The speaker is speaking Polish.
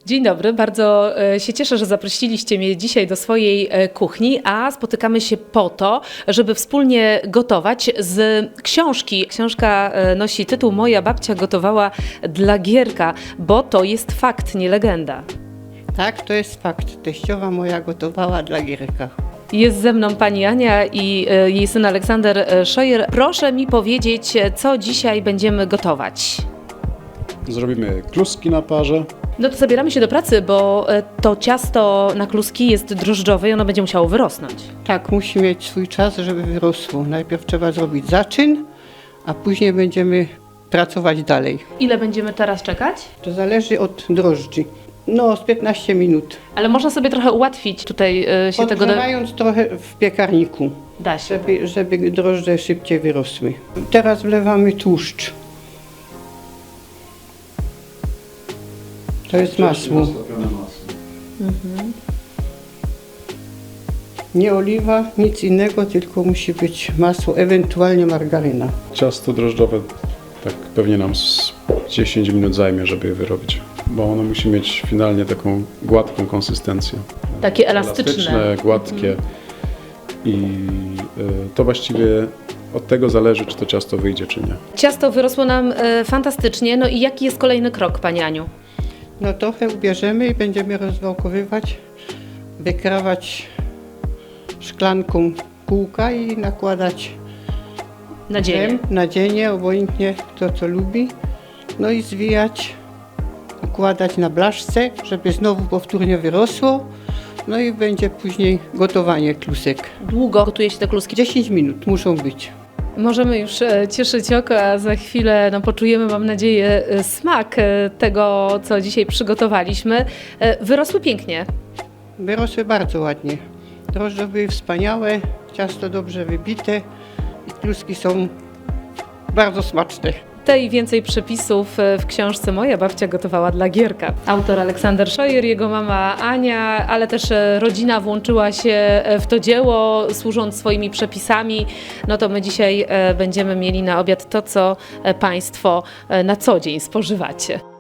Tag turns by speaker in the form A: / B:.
A: Dzień dobry, bardzo się cieszę, że zaprosiliście mnie dzisiaj do swojej kuchni, a spotykamy się po to, żeby wspólnie gotować z książki. Książka nosi tytuł Moja babcia gotowała dla Gierka, bo to jest fakt, nie legenda.
B: Tak, to jest fakt. Teściowa moja gotowała dla Gierka.
A: Jest ze mną pani Ania i jej syn Aleksander Scheuer. Proszę mi powiedzieć, co dzisiaj będziemy gotować.
C: Zrobimy kluski na parze.
A: No to zabieramy się do pracy, bo to ciasto na kluski jest drożdżowe i ono będzie musiało wyrosnąć.
B: Tak, musi mieć swój czas, żeby wyrosło. Najpierw trzeba zrobić zaczyn, a później będziemy pracować dalej.
A: Ile będziemy teraz czekać?
B: To zależy od drożdży. No, z 15 minut.
A: Ale można sobie trochę ułatwić tutaj się tego...
B: Podgrzewając trochę w piekarniku,
A: Da się.
B: żeby drożdże szybciej wyrosły. Teraz wlewamy tłuszcz. To jest masło. Nie oliwa, nic innego, tylko musi być masło, ewentualnie margaryna.
C: Ciasto drożdżowe tak pewnie nam z 10 minut zajmie, żeby je wyrobić, bo ono musi mieć finalnie taką gładką konsystencję.
A: Takie elastyczne.
C: Gładkie i to właściwie od tego zależy, czy to ciasto wyjdzie, czy nie.
A: Ciasto wyrosło nam fantastycznie. No i jaki jest kolejny krok, Pani Aniu?
B: No trochę ubierzemy i będziemy rozwałkowywać, wykrawać szklanką kółka i nakładać nadzienie, obojętnie kto co lubi. No i zwijać, układać na blaszce, żeby znowu powtórnie wyrosło. No i będzie później gotowanie klusek.
A: Długo gotuje się te kluski?
B: 10 minut muszą być.
A: Możemy już cieszyć oko, a za chwilę poczujemy, mam nadzieję, smak tego, co dzisiaj przygotowaliśmy. Wyrosły pięknie.
B: Wyrosły bardzo ładnie. Drożdże były wspaniałe, ciasto dobrze wybite i kluski są bardzo smaczne.
A: Te i więcej przepisów w książce Moja babcia gotowała dla Gierka. Autor Aleksander Scheuer, jego mama Ania, ale też rodzina włączyła się w to dzieło, służąc swoimi przepisami. No to my dzisiaj będziemy mieli na obiad to, co Państwo na co dzień spożywacie.